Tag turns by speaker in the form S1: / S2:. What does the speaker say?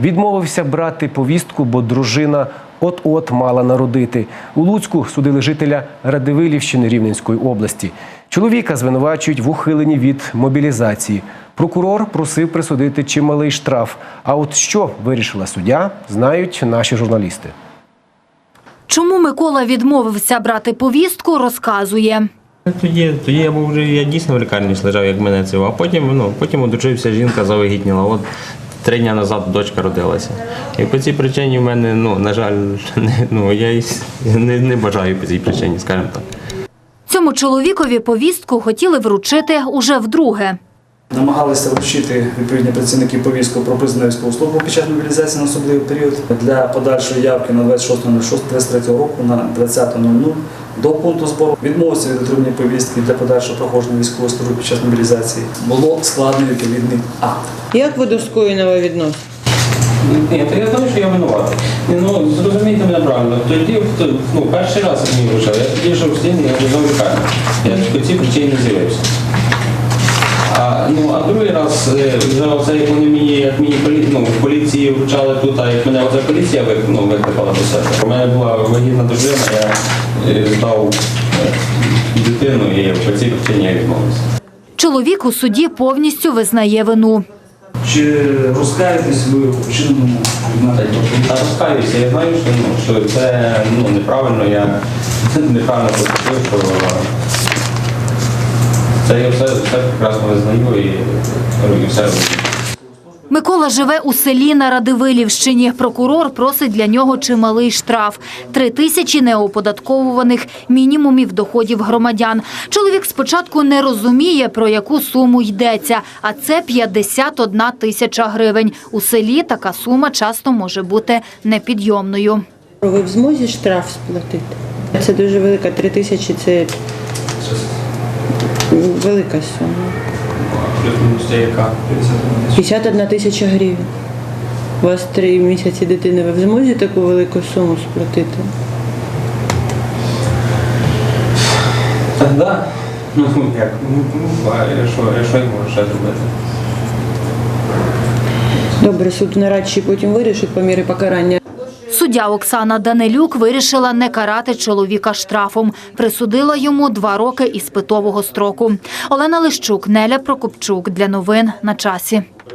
S1: Відмовився брати повістку, бо дружина от-от мала народити. У Луцьку судили жителя Радивилівщини Рівненської області. Чоловіка звинувачують в ухиленні від мобілізації. Прокурор просив присудити чималий штраф. А от що вирішила суддя, знають наші журналісти.
S2: Чому Микола відмовився брати повістку, розказує.
S3: Тоді я дійсно в лікарні лежав, як мене це. А потім одружився, жінка завагітніла. От 3 дні назад дочка родилася. І по цій причині в мене, на жаль, я не бажаю по цій причині, скажімо так.
S2: Цьому чоловікові повістку хотіли вручити уже вдруге.
S4: Намагалися вручити відповідні працівники повістку про призвану військову службу під час мобілізації на особливий період для подальшої явки на 26.06.23 року на 20.00 до пункту збору. Відмовився від отримання повістки для подальшого проходження військової служби під час мобілізації. Було складено відповідний акт.
S5: Як ви до скоєного відноситесь?
S3: Ні, то я знаю, що я винуватий. Зрозумійте мене правильно. Тоді, перший раз я мені вручав, я тоді йшов в стіні, я лежав в лікарні. Я по цій причині не з'явився. А другий раз, вже як вони мені в поліції вручали тут, а як мене оця поліція викликала до себе. У мене була вагітна дружина, я здав дитину і по цій причині я відмовився.
S2: Чоловік у суді повністю визнає вину.
S4: Чи розкаєтесь ви у вчиненому?
S3: Та розкаюся, я знаю, що це неправильно, я неправильно поступив, що це я все прекрасно визнаю і все роблю.
S2: Микола живе у селі на Радивилівщині. Прокурор просить для нього чималий штраф – 3000 неоподатковуваних мінімумів доходів громадян. Чоловік спочатку не розуміє, про яку суму йдеться, а це 51 тисяча гривень. У селі така сума часто може бути непідйомною.
S5: Ви в змозі штраф сплатити? Це дуже велика, 3000 – це велика сума.
S3: Це яка?
S5: 51 тисяча гривень. У вас 3 місяці дитини, ви в змозі таку велику суму сплатити?
S3: Так, так. Як? Що я можу ще зробити?
S5: Добре, суд нарадчий потім вирішить по мірі покарання.
S2: Суддя Оксана Данилюк вирішила не карати чоловіка штрафом. Присудила йому 2 роки іспитового строку. Олена Лищук, Неля Прокопчук. Для новин на часі.